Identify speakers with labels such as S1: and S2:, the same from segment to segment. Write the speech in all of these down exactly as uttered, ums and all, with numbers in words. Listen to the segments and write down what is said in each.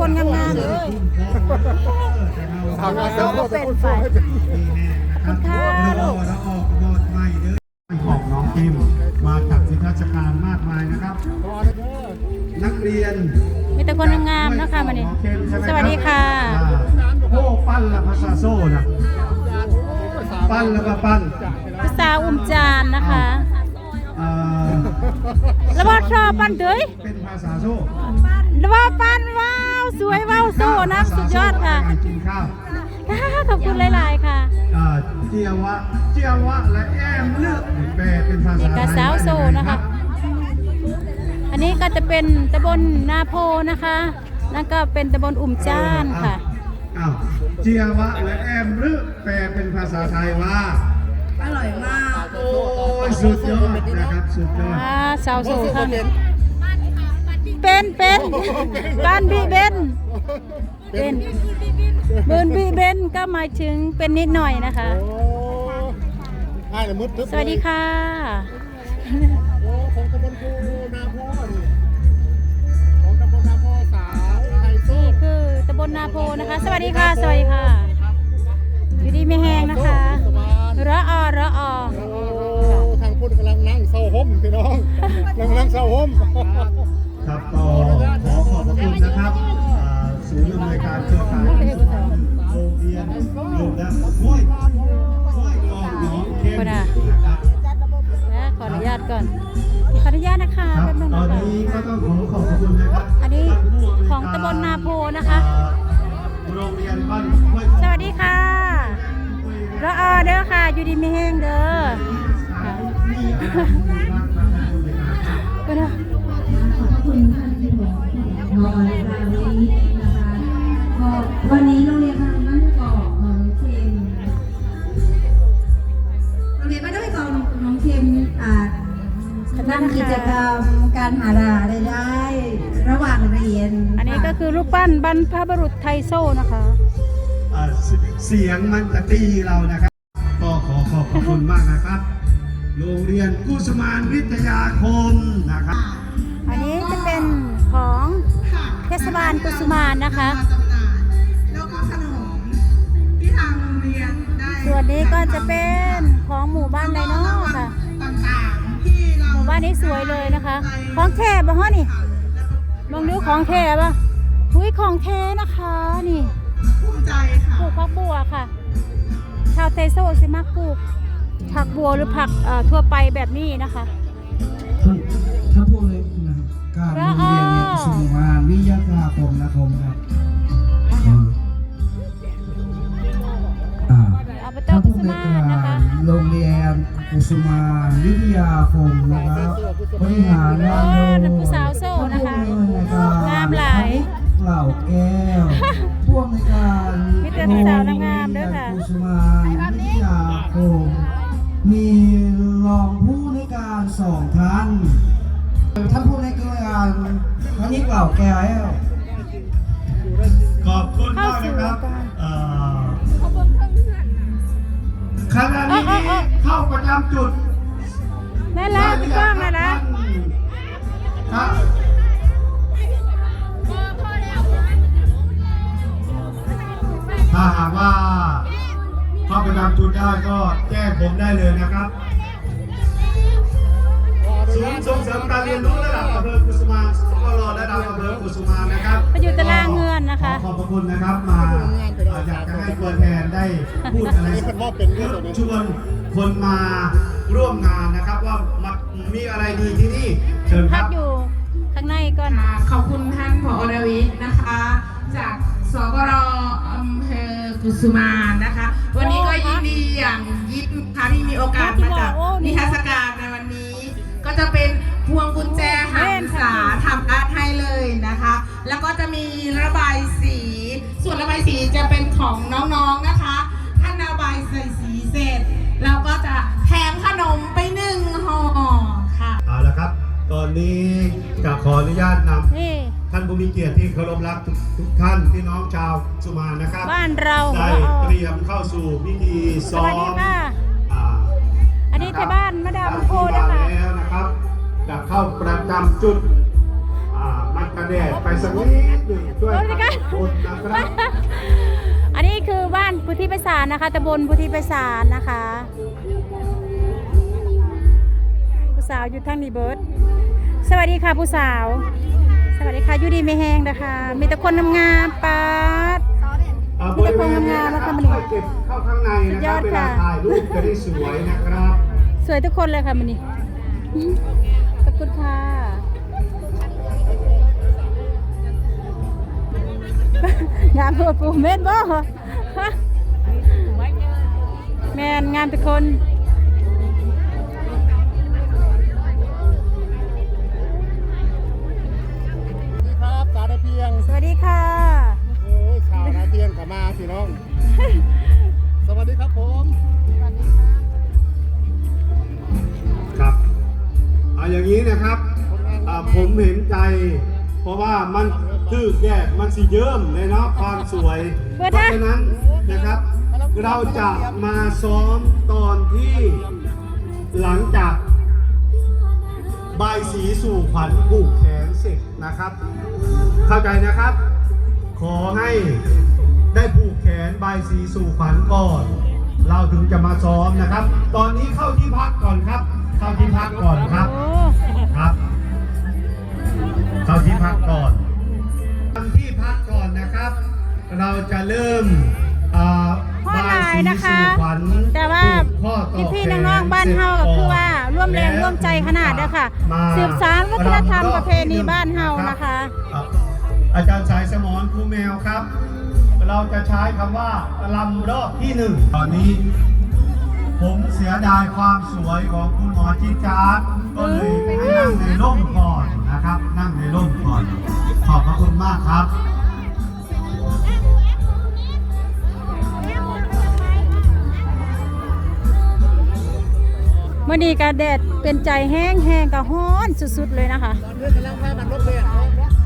S1: คนงามๆเลยเราก็เป็นไปคุณค่าลูก
S2: ของน้องพิมมาจากสิทธิราชการมากมายนะครับนักเรียน
S1: มีแต่คนงามๆนะคะวันนี้สวัสดีค่ะ
S2: โอ้ปั้นละภาษาโซ่นะปั้นแล้วก็ปั้น
S1: ภาษาอุ้มจานนะคะแล้วว่าชอบปั้นด้วย
S2: เป็นภาษาโซ่
S1: แล้วว่าปั้นว้าวสวยว้าวโซ่นะสุดยอดค่ะ
S2: กินข้าว
S1: ขอบคุณหลายๆค่ะ
S2: เจียวะเจียวะและแอมเลือกแปลเป็นภาษา
S1: นี่ก็สาวโซ่นะคะอันนี้ก็จะเป็นตำบลนาโพนะคะนั่นก็เป็นตำบลอุ่มจ้านค่ะ
S2: อ้าวเจียวะและแอมเลือกแปลเป็นภาษาไทยว่าอร่อยมากโอ้ยสุดยอดนะครับสุดยอด
S1: อ่าสาวโซ่ค่ะเป็นเป็นบ้านบีเบนเป็นเบิร์นบีเบนก็หมายถึงเป็นนิดหน่อยนะคะสวัสดีค่ะ
S3: ของตำบลภูนาโพนี่ของตำบลนาโพสาวไทยโซ่
S1: นี่คือตำบลนาโพนะคะสวัสดีค่ะสวัสดีค่ะอยู่ดีไม่แห้งนะคะระออระออ
S3: ทางพูดกำลังนั่งเศร้าห่มพี่น้องกำลังนั่งเศร้าห่ม
S2: ครับก็ขอขอบพระคุณนะครับศูนย์อำนวยการเครือข่ายโรงเรียนโรงและห้วยห้วยกองหนองเข้มนะครับ
S1: นะขออนุญาตก่อนขออนุญาตนะคะ
S2: ครับ
S1: แป๊บนึง
S2: ตอ
S1: นะ
S2: น
S1: คะ
S2: นี้ก็ต้องขอขอบพระคุณนะครับ
S1: อันนี้ของตำบลนาโพนะคะ
S2: โรงเรียนบ้านห้วย
S1: สวัสดีค่ะระออเด้อค่ะอยู่ดีไม่แห้งเด้อค่ะไปเด้อ
S4: ขอบคุณท่านที่บอกนอนในวันนี้นะคะก็วันนี้โรงเรียนบ้านน้ำกอกน้องเค็มโรงเรียนบ้านน้ำกอกน้องเค็มอ่าทำกิจกรรมการหารายได้ระหว่างเรียน
S1: อันนี้ก็คือรูปปั้นบรรพบุรุษไทยโซ่นะคะ
S2: อ่าเสียงมันจะตีเรานะครับ ก็ขอขอบพระคุณมากนะครับ โรงเรียนกุสุมานวิทยาคมนะครับ
S1: อันนี้จะเป็นของเทศบาลกุสุมานนะคะ
S5: แล้วก็ขนมที่ทางโรงเรียนได้
S1: ส่วนนี้ก็จะเป็นของหมู่บ้านไดโน่ค่ะ
S5: ต่างๆที่เรา
S1: หมู่บ้านนี้สวยเลยนะคะ ของแท้บ่ฮะนี่ลองดูของแท้ป่ะหุ้ยของแท้นะคะนี่
S5: ภูมิใจค่ะ
S1: ปลูกผักบัวค่ะ ชาวไทโซ่สิมักปลูกผักบัวหรือผักเอ่อทั่วไปแบบนี้นะคะ
S6: ท่านท่านผู้เลยนะครับการโรงเรียนเนี่ยสุมานวิทยาคมนะครับครับอ่า
S1: อบต
S6: ท่าน
S1: กุ
S6: ผู้
S1: สุ
S6: ใน
S1: มาน
S6: กา
S1: นะคะ
S6: รโรงเรียนกุสุมานวิทยาคมนะครับบริหารงานโดย
S1: โอ้ผู้สาวโซ่นะคะ
S6: ท่านผู้ในการ
S1: งามหลาย
S6: เหล่าแก้วผู้ในการ
S1: มีแต่สาวงามๆด้วยค่ะ
S6: กุสุมานวิทยาคมมีรองผู้ในการสองท่านท่านผู้ในการท่านนี้เหล่าแก้ว
S2: ขอบคุณมากนะครับเอ่อขณะนี้เข้าประจำจุด
S1: นั่นแหละพี่ก้องนั่นแหละ
S2: ครับถ้าหากว่าเข้าประจำจุดได้ก็แจ้งผมได้เลยนะครับศูนย์ส่งเสริมการเรียนรู้ระดับอำเภอกุสุมานก็รอระดับอำเภอกุสุมานนะครับ
S1: ไปอยู่ตารางเงินนะคะ
S2: ขอบพระคุณนะครับมาอยากจะให้ตัวแทนได้พูดอะไรชวนคนมาร่วมงานนะครับว่ามีอะไรดีที่นี่เชิญค
S1: พั
S2: รั
S1: ก
S2: บ
S1: อยู่ข้างในก่อน
S5: ขอบคุณท่านผอ.ดวิทย์นะคะ จากสกรอำเภอกุสุมานนะคะ วันนี้ก็ยินดีอย่างยิ่งค่ะที่มีโอกาสมาจัดนิทรรศการในวันนี้ ก็จะเป็นพวงกุญแจหันษาทำอาร์ตให้เลยนะคะ แล้วก็จะมีระบายสี ส่วนระบายสีจะเป็นของน้องๆนะคะท่านระบายใส่สีเสร็จเราก็จะแถมขนมไปหนึ่งห่อค่ะ
S2: เอาละครับ ตอนนี้จะขออนุญาตน
S1: นี่
S2: ำท่านผู้มีเกียรติที่เคารพรักทุกทุกท่านพี่น้องชาวสุมานนะครับ
S1: บ้านเรา
S2: ได้
S1: ละออ
S2: เตรียมเข้าสู่พิธี
S1: ส
S2: ซ้อ
S1: วัสดี
S2: ม
S1: ค่ะ
S2: อ่า
S1: อันนี้ที่บ้านมาดามโพ
S2: ที่
S1: นะคะ
S2: แล้วนะครับจะเข้าประจำจุดอ่ามากระแดดไปสักนิดหนึ่งช่วยขอบคุณนะครับ
S1: อันนี้คือบ้านพุทธิไพศาลนะคะตำบลพุทธิไพศาลนะคะผู้สาวอยู่ทั้งนี้เบิร์ดสวัสดีค่ะผู้สาว สวัสดีค่ะอยู่ดีไม่แห้งนะคะมีแต่คนงามๆปาด มีแต่คนงามๆนะคะมันนี่
S2: เก็บเข้าข้างใน
S1: สุ
S2: นะ
S1: ด
S2: ค
S1: ย
S2: รั
S1: อบ ด
S2: เวลา
S1: ค่ะ
S2: ถ่ายรูปจะได้สวยนะครับ
S1: สวยทุกคนเลยค่ะมันนี่ขอบคุณค่ะงามตัวปูเม็ดบ่แมนงามทุกคน
S3: สวัสดีครับสาวนาเพียง
S1: สวัสดีค่ะ
S3: โอ้ยสาวนาเพียงกลับมาพี่น้อง สวัสดีครับผม
S2: ครับเอาอย่างนี้นะครับอ่าผมเห็นใจ เพราะว่ามันคือแยกมันสีเยิ้มเลยเนาะความสวย
S1: เปิ
S2: เพ
S1: ด
S2: ราะ
S1: นะ
S2: ฉะนั้นนะครับ เราจะมาซ้อมตอนที่หลังจากบายสีสู่ขวัญผูกแขนเสร็จนะครับ เข้าใจนะครับ ขอให้ได้ผูกแขนบายสีสู่ขวัญก่อน เราถึงจะมาซ้อมนะครับ ตอนนี้เข้าที่พักก่อนครับ เข้าที่พักก่อนครับ
S1: โอ้
S2: ครับ เข้าที่พักก่อนทำที่พักก่อนนะครับ เราจะเริ่มอ่า
S1: ข้อลายนะคะ
S2: บายสีสู่ขวัญ
S1: แต่ว่า
S2: ผูกข้อต่อ
S1: พี่
S2: แข
S1: ๆน้องๆบ้านเฮาก็คือว่าร่วมแรงร่วมใจขนาดเด้อค่ะ
S2: มา
S1: สืบสานวัฒนธรรมประเพณีบ้านเฮานะคะ
S2: อ่ะอาจารย์สายสมรครูแมวครับ เราจะใช้คำว่าลำรอบที่หนึ่งตอนนี้ ผมเสียดายความสวยของคุณหมอจิจาร์ก็เลยให้นั่งในร่มก่อนนะครับ นั่งในร่มก่อน ขอบพระคุณมากครับ
S1: เมื่อนี้กาแดดเป็นใจแห้งแห้งกับฮ้อนสุดๆเลยนะคะ
S3: ตอนนี้กำลังพามันรถเบียดเนาะ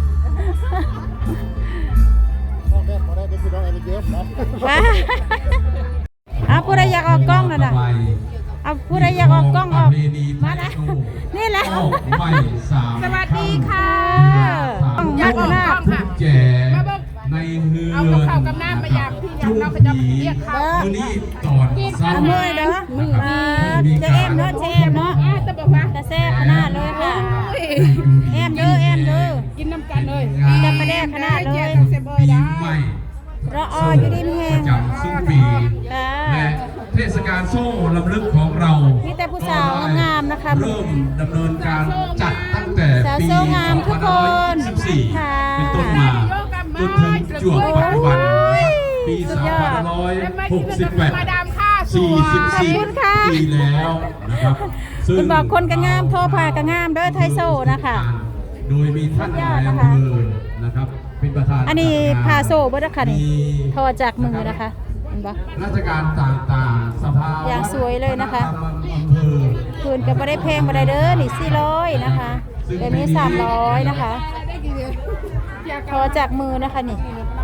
S3: พ่อแม่พอได้เป็นพี่น้องอะไรเยอะเนาะ
S1: ว้าเอาผู้ใดอยากออกกล้องน่ะนะเอาผู้ใดอยากออกกล้องออกมานะนี่แหละ
S7: ไม่สาม
S5: สวัสดีค่ะ
S1: อยากออกกล้องค่ะ
S7: แจในเฮือน
S5: เอากับข้าวกับน้ำมาอย่างพี่ยำเราก็จะเรียกเขา
S7: มื้อนี้ตอนเช้า
S1: เอามือเด้อมือเจะเอ็มเนาะเจะเอ็มเนาะ
S5: แต่บอกว่า
S1: แต่แซ่บขนาดเลยค่ะแอมเด้อแอมเด้อ
S5: กินน้ำกันเลย
S1: จะประแดกขนาดเลย
S5: เซบอย
S7: ปี
S5: ได้
S7: ใหม่
S1: รอออยู่ดีมีแห
S7: ประ
S1: ง
S7: จำสิ้นปี
S1: ค่ะ
S7: และเทศกาลโซ่ลำลึกของเรา
S1: มีแต่ผู้สาวงามๆนะคะ
S7: เริ่มดำเนินการจัดตั้งแต่
S1: สาว
S7: ปี
S1: โซ่งามทุกคน
S7: สองพันห้าร้อยยี่สิบสี่
S1: ค่ะ
S7: เป็นต้นมาจนถึงจวบปัจจุบันนะครับปี
S1: สุด
S7: สอง
S1: ยอด
S7: พันห้าร้อยหกสิบแปด
S5: มาดามค่าส
S7: สี่
S5: วย
S7: สิบสี่
S1: ขอบคุณค่ะ
S7: ปีแล้วนะครับซึ่ง
S1: คุณบอกคนก็งามโทรพาก็งามเด้อไทยโซ่นะคะ
S7: โดยมีท่าน
S1: สุดยอด
S7: นาย
S1: นะคะ
S7: อำเภอนะครับเป็นประธาน
S1: อันนี้
S7: จัดง
S1: พาโซ่เบิดแล้วค่ะนี่
S7: มี
S1: โทรจากมือนะคะเห็นปะ
S7: ราชการต่างๆสภา
S1: อย่างสวยเลยนะคะ
S7: อำเภอ
S1: คืนก็ไม่ได้เพลงไม่ได้เด้อนี่สี่ร้อยนะคะเดี๋ยวนี้สามร้อยนะคะโทรจากมือนะคะนี่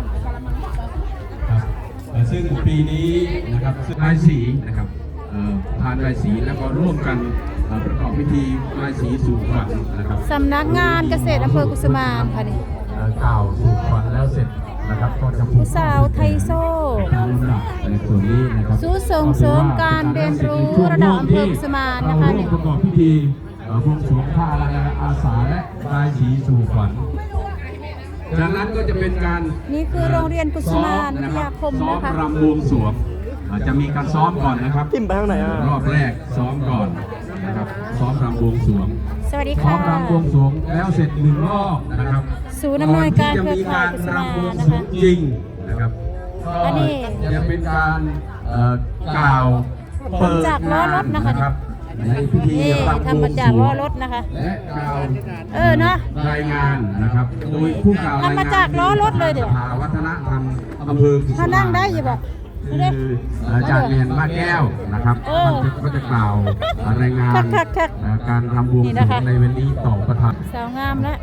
S7: ครับเอ่อซึ่งปีนี้นะครับซึ่งรายสีนะครับเอ่อทานรายสีแล้วก็ร่วมกันเอ่อประกอบพิธีรายสีสู่ขวัญนะครับ
S1: สำนักงานเกษตรอำเภอกุสุมานค่ะนี่
S7: เอ่อกล่าวสู่ขวัญแล้วเสร็จนะครับก็จะผูก
S1: ผู้สาวไทยโซ่
S7: ตามลำดับในส่วนนี้นะครับ
S1: สู้ส่งเสริมการเรียนรู้ระดับอำเภอกุสุมานนะคะ
S7: เราร่วมประกอบพิธีเอ่อบวงสรวงผ้าลายอาสาและรายสีสู่ขวัญจากนั้นก็จะเป็นการ
S1: นี่คือโรงเรียนกุสุมานวิทยาคม
S7: ซ้อม
S1: นะคะ
S7: รำบวงสรวงอ่าจะมีการซ้อมก่อนนะครับจิ้มไปทางไหนรอบแรกซ้อมก่อนนะครับซ้อมรำบวงสรวง
S1: สวัสดี
S7: ซ้อ
S1: ค่ะ
S7: มรำบวงสรวงแล้วเสร็จหนึ่งรอบนะครับ
S1: ศูนย์อำนวยการเครือข่าย
S7: ก่อนที่จะมีการ
S1: กุศล
S7: รำบวง
S1: นะ
S7: สรว
S1: คะ
S7: งจริงนะครับ
S1: อันนี้
S7: ก็จะเป็นการเอ่อกล่าวเปิด
S1: จากล้อรถนะคะ
S7: รับในพิธี
S1: นี่
S7: รำบวง
S1: ทำมา
S7: ส
S1: จาก
S7: ร
S1: ล้
S7: ว
S1: อง รถนะคะ
S7: และกล่าว
S1: เออเนอะ
S7: รายงานนะครับโดยผู้กล่าวรายงาน
S1: ทำมาจากล้อรถเลยเดี๋ยว
S7: สภาวัฒนธรรมอำเภอกุสุม
S1: เขานั่งได้อยู่บ่
S7: คืออาจารย์เรียนว่าแก้วนะครับ
S1: เออ
S7: ท่านก็จะกล่าวรายงาน
S1: คักๆๆ
S7: เอ่อการรำบวง
S1: นี่
S7: สร
S1: นะ
S7: ว
S1: คะ
S7: งในวันนี้ต่อประธาน
S1: สาวงามแล้ว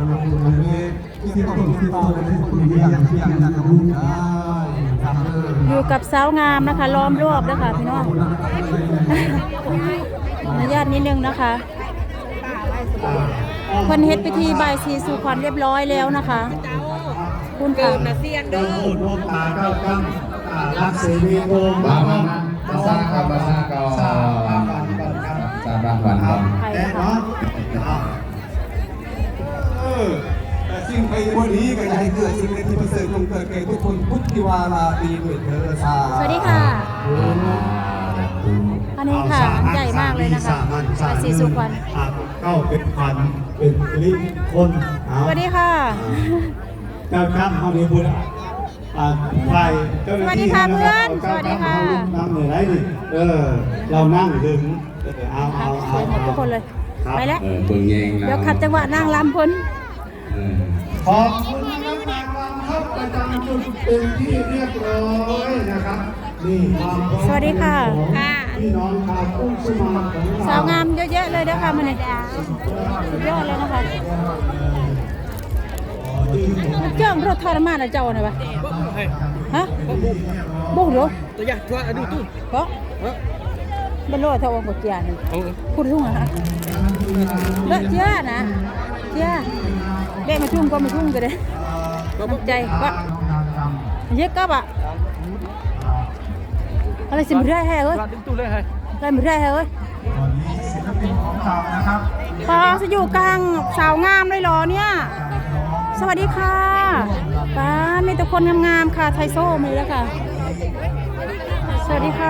S1: อยู่อยู่กับสาวงามนะคะล้อมรอบนะคะพี่น้อง อนุญาตนิดนึงนะคะเพิ่นเฮ็ดพิธีบายสีสู่ขวัญเรียบร้อยแล้วนะคะคุณค่ะ
S2: เจ้าพูดพวกตาเก้ากั้งรักเสรีโกงบ้ามันมาซากับมาซาก่อนซาบ้านก่อนครับซาบ้านก่อนครับแต่เนาะเออแต่สิ่งไปวันนี้ก็อยากให้เกิดสิ่งที่ประเสริฐคงเกิดแก่ทุกคนพุทธิวาราปีด้วยเถิดสา
S1: สวัสดีค่ะ อันนี้ค่ะใหญ่มากเลยนะคะบายสีสู่ขวัญ
S2: เข้าเป็นขวัญเป็นลิคนเอา
S1: สวัสดีค่ะ
S2: เจ้าข้ามห้องนี้บุญอ่าไปเจ้าหน้าที่
S1: สวัสดีค่ะเพื่อนสวัสดีค่ะ
S2: นั่งเหนื่อยไรดิเออ เรานั่งถึงเอาเอา
S1: ส
S2: เอา
S1: วยหมดทุกคนเลย ไปแล้ว
S7: เออเบิ่งเอง
S1: เดี๋ยวขัดจังหวะนั่งลำเพิ่น
S7: เออ
S2: ขอบคุณนะครับนางรำครับประจำจุดเป็นที่เรียบร้อยนะครับนี่ความพร้อม
S1: สวัสดีค่ะ
S2: พี่น้องชาวกุ้งสุมาของเรา
S1: สาวงามเยอะแยะเลยนะคะมันเนี่ยสุดยอดเลยนะคะมันเจ้ารถทรมานนะเจ้าน่ะปะฮะบุกเหรอ
S3: ตัวใหญ่ตัวอันนี้ตู้
S1: เพราะเป็นรถเท่ากับเจียนพูดทุ่งอะฮะเลอะเจียนะเจียเด็กมาทุ่งก็มาทุ่งกันเลยตกใจก็เยอะกับอ่ะอะไรสิมได้แฮ่เอ้ย
S3: ดึงตู้เลยให้
S1: อะไรไม่ได้เอ้ย
S2: วันนี้ศิลปินของเรานะครับ
S1: ปอจะอยู่กลางสาวงามเลยเหรอเนี่ย สวัสดีค่ะป้ามีแต่คนงามๆค่ะไทโซ่มีแล้วค่ะ สวัสดีค่ะ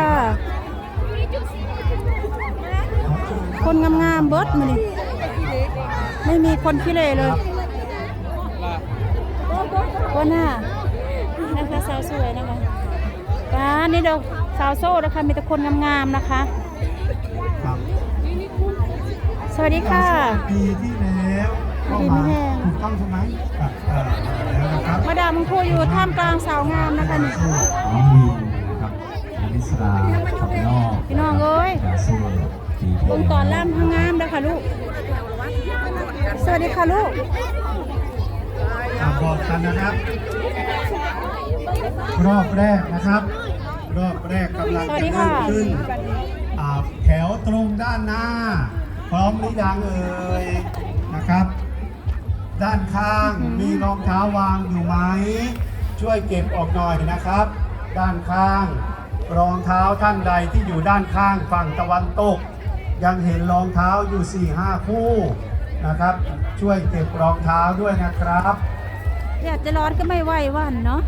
S1: คนงามๆเบิร์ดมานี่ไม่มีคนขี้เหร่เลยว่าหน้านะคะสาวสวยนะคะป้านี่เดี๋ยวสาวโซ่นะคะมีแต่คนงามๆนะคะ
S2: ครับ
S1: สวัสดีค่ะ
S2: ปีที่แล้วเข้า
S1: ดี
S2: มา
S1: ไม่แห้ง
S2: ถูกต้องใช่ไหมครับเออแล้วนะครับ
S1: มาดามพูอยู่ท่ามกลางสาวงามนะคะนี่
S6: น้องวิวนะครับอลิสราขับนอก
S1: พี่น้องเอ้ย
S6: กาซูปี
S1: วงตอนล่ำทางงามนะคะลูก สวัสดีค่ะลูก
S2: อ่าบอกกันนะครับ รอบแรกนะครับ รอบแรกกำลัง
S1: สวั
S2: จะ
S1: สดี
S2: เริ่
S1: ค่ะ
S2: มขึ้นอ่าแถวตรงด้านหน้า พร้อมหรือยังเอ่ยนะครับ ด้านข้างมีรองเท้าวางอยู่ไหมช่วยเก็บออกหน่อยนะครับ ด้านข้าง รองเท้าท่านใดที่อยู่ด้านข้างฝั่งตะวันตก ยังเห็นรองเท้าอยู่ สี่ห้า คู่นะครับ ช่วยเก็บรองเท้าด้วยนะครับ
S1: อยากจะร้อนก็ไม่ไหวหวันเนาะ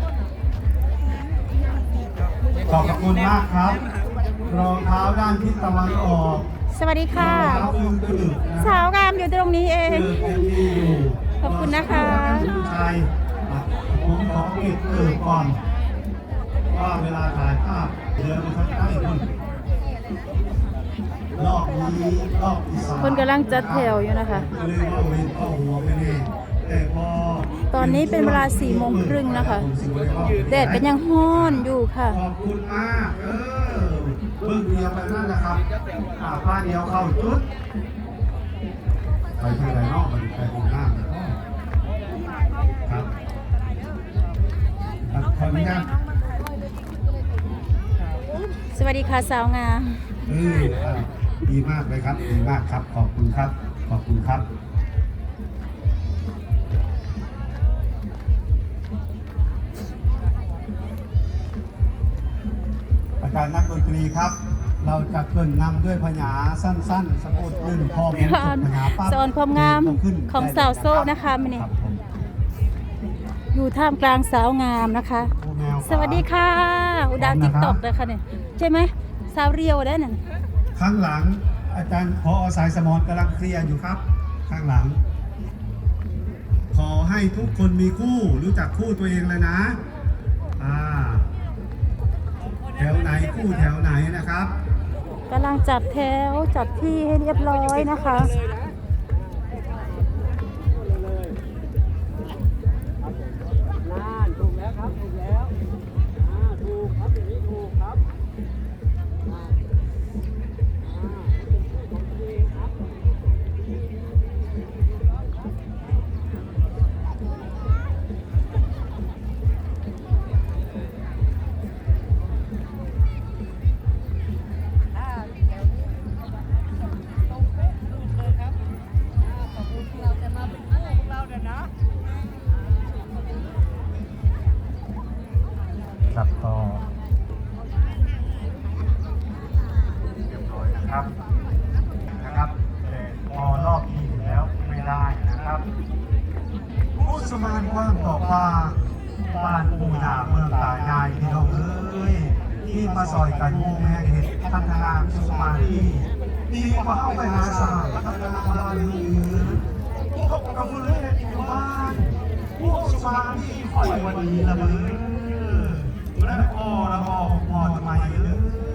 S2: ขอบคุณมากครับ รองเท้าด้านทิศตะวันออก
S1: สวัสดีค่ะ
S2: รองเท้าอึมกระดึกนะ
S1: สาวงามอยู่ตรงนี้เอ
S2: เอง อยังมีอยู่
S1: ขอบคุณนะคะ
S2: ผู้ชายอ่ะผมขอเก็บเกิดก่อนว่าเวลาถ่ายภาพเดี๋ยวมันจะใกล้คุณรอบนี้รอบที่สาม
S1: คนกำลังจัดแถวอยู่นะคะ
S2: ก็เลยว่าเว้นเข้าหัวไปนี่แต่พอ
S1: ตอนนี้เป็นเวลาสี่โมงครึ่งนะคะ แดดก็ยังฮ้อนอยู่ค่ะ
S2: ขอบคุณมากเออเพิ่งเดียวไปนั่นแหละครับอ่าผ้าเดียวเข้าชุดไปที่ไหนนอกไปไปตรงหน้าเลยครับครับขออนุญาต
S1: สวัสดีค่ะสาวงาม
S2: เอออ่ะดีมากเลยครับดีมากครับขอบคุณครับขอบคุณครับอาจารย์นักดนตรีครับ เราจะเกริ่นนำด้วยพญาสั้นๆสะกดหนึ่งพอผมจบพญาปั๊บ
S1: สอนความงามของสาวโซ่นะคะมื้อนี้
S2: รับผม
S1: อยู่ท่ามกลางสาวงามนะคะ
S2: ผู้แมว
S1: สวัสดีค่ะ อุดาติ๊กต็อกเลยค่ะเนี่ยใช่ไหมสาวเรียวได้นั่น
S2: ข้างหลังอาจารย์พอสายสมรกำลังเคลียร์อยู่ครับ ข้างหลัง ขอให้ทุกคนมีคู่รู้จักคู่ตัวเองเลยนะอ่าแถวไหนคู่แถวไหนนะครับ
S1: กำลังจัดแถวจัดที่ให้เรียบร้อยนะคะ
S3: ถูกแล้วครับถูกแล้วอ่าถูกครับอย่างนี้ถูกครับ
S2: บ้านปู่ย่าเมืองตายายพี่น้องเอ้ยที่มาซอยกันมุ่งแม่เห็ดพัฒนาสุขมาที่ดีกว่าเข้าไปหาสาวพัฒนาบ้านเมืองพบกับมือเล่นอยู่บ้านพวกสุมาที่คอยวันนี้ละเมือและพ่อละพ่อพ่อทำไมเอ้ย